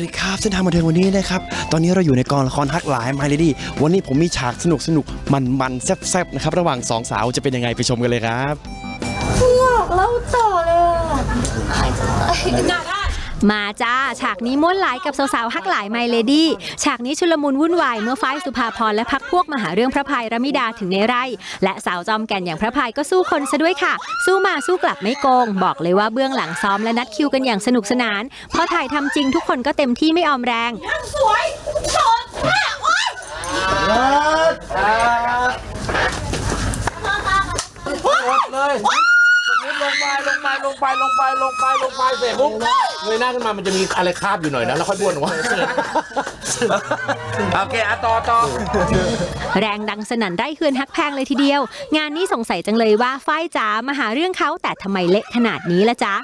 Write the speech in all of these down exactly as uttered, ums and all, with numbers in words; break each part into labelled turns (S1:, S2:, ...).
S1: ดีครับเส้นทางบันเทิงวันนี้นะครับตอนนี้เราอยู่ในกองละครฮักหลาย My Lady วันนี้ผมมีฉากสนุกสนุกมันมันแซ่บๆนะครับระหว่างสองสาวจะเป็นยังไงไปชมกันเลยครับ
S2: อยากเล่าต่อเลย
S3: มาจ้าฉากนี้ม้วนหลายกับสาวๆฮักหลายไมเลดี้ฉากนี้ชุลมุนวุ่นวายเมื่อฝ้ายสุภาพรและพักพวกมาหาเรื่องพระพายรมิดาถึงในไร่และสาวจอมแก่นอย่างพระพายก็สู้คนซะด้วยค่ะสู้มาสู้กลับไม่โกงบอกเลยว่าเบื้องหลังซ้อมและนัดคิวกันอย่างสนุกสนานพอถ่ายทำจริงทุกคนก็เต็มที่ไม่ออมแรง
S2: สวยสดแม่โอ๊ย
S4: เลยลงไปลงไปลงไปลงไปลงไปลงไปเสร็จปุ๊บเงยหน้าขึ้นมามันจะมีอะไรคาบอยู่หน่อยนะแล้วค่อยบ้วนออกมาโอเคอะต่อต่อ
S3: แรงดังสนั่นไร่เฮือนฮักแพงเลยทีเดียวงานนี้สงสัยจังเลยว่าฝ้ายจ๋ามาหาเรื่องเขาแต่ทำไมเละขนาดนี้ละจ๊ะ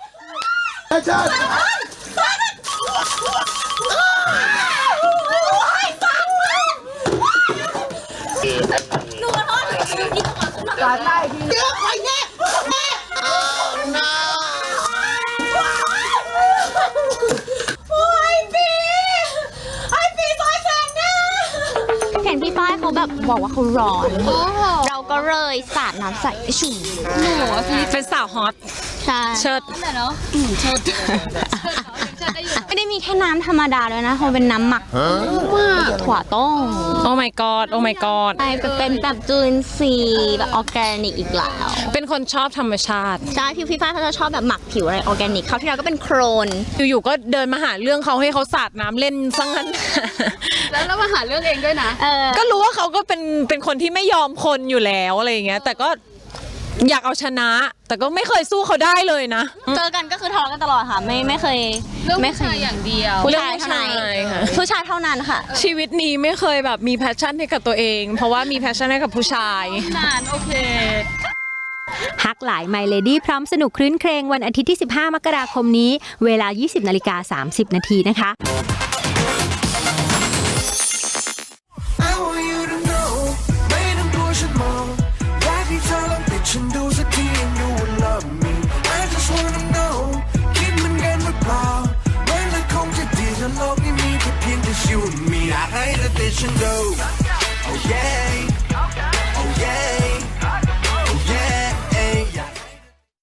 S2: หนูขอโทษหนูคิดว่าหนูการได้ทีเดี๋ยวไปแน่แน่โอ้ยปีไอ้ปีซอยแสนนะ
S5: เห็นพี่ป้ายเขาแบบบอกว่าเขาร้อนเราก็เลยสาดน้ำใส่ไปชุ่มหนู
S6: เป็นสาวฮอต
S5: ใช่
S6: เชิด
S2: นั่นแหละเนาะเชิด
S5: ไม่ได้มีแค่น้ำธรรมดาเลยนะเขาเป็นน้ำหมักถั่วต้ม
S6: โอ้ my god โอ้ my god
S5: ใช่เป็นแบบจุลินทรีย์แบบออร์แกนิกอีกแล้ว
S6: เป็นคนชอบธรรมชาติ
S5: ใช่พี่พี่ป้ายเขาจะชอบแบบหมักผิวอะไรออร์แกนิกเขาที่เราก็เป็นโครน
S6: อยู่ๆก็เดินมาหาเรื่องเขาให้เขาสาดน้ำเล่นซะงั้น
S2: แล้วเรามาหาเรื่องเองด้วยนะ
S6: ก็รู้ว่าเขาก็เป็นเป็นคนที่ไม่ยอมคนอยู่แล้วอะไรอย่างเงี้ยแต่ก็อยากเอาชนะแต่ก็ไม่เคยสู้เขาได้เลยนะ
S5: เจอกันก็คือทะเลาะกันตลอดค่ะไม่ไม่เคย
S2: ไม่เคยอย่างเดียว
S5: ผู้ชายเท่านั้นผู้ชายเท่านั้นค่ะ
S6: ชีวิตนี้ไม่เคยแบบมีแพชชั่นให้กับตัวเองเพราะว่ามีแพชชั่นให้กับผู้ชาย
S2: นานโอเค
S3: ฮักหลาย My Lady พร้อมสนุกครื้นเครงวันอาทิตย์ที่สิบห้ามกราคมนี้เวลา ยี่สิบนาฬิกาสามสิบนาทีนะคะ
S7: ฉันดูสักทียังดูว่า love me I just wanna know คิดเหมือนกันหรือเปล่าเมื่อไรคงจะดีถ้าโลกนี้มีแค่เพียงแต่ you and me อยากให้เธอติดฉันดู oh yeah